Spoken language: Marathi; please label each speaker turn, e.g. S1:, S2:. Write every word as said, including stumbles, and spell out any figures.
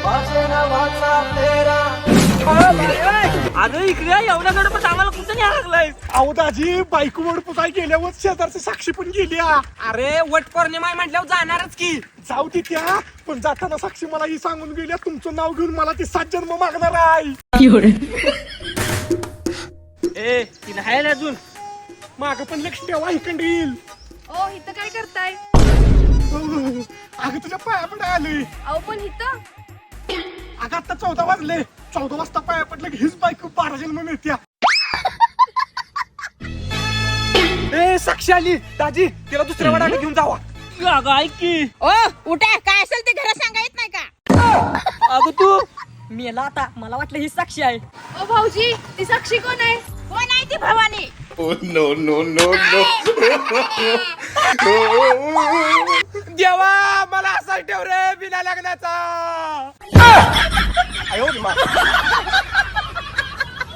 S1: अगं इकडे एवढ्या गडपत आम्हाला कुठं न्याय लागलाय?
S2: अहो दाजी बायको वड पुसाय गेल्यावर शेजारची साक्षी पण गेली आ.
S1: अरे वट पौर्णिमा आहे म्हटल्यावर जाणारच की.
S2: जाऊ ती त्या पण जाताना साक्षी मला ही सांगून गेल्या तुमचं नाव घेऊन मला ती सात जन्म मागणार आहे.
S1: ए ती नाही आली अजून.
S2: माग पण लक्ष ठेवा इकडे येईल.
S3: ओ इथं काय करताय?
S2: अगं तुझ्या पाया पडाय आलोय.
S3: अहो पण इथं
S2: अगं आता चौदा वाजले. चौदा वाजता पाया पडलं की हीच बायको बारा जन्म मिळत्या. ए साक्षी आली दाजी तिला दुसऱ्या वाड्याला घेऊन जावा.
S1: अगं ऐक की.
S4: ओ उठा, काय असेल ते घरात सांगा येत नाही का?
S1: अगं तू मेला आता. मला वाटलं ही साक्षी आहे.
S3: ओ भाऊजी ती साक्षी कोण आहे?
S4: कोण आहे ती भवानी?
S2: देवा मला असा ठेव रे बिना लग्नाचा.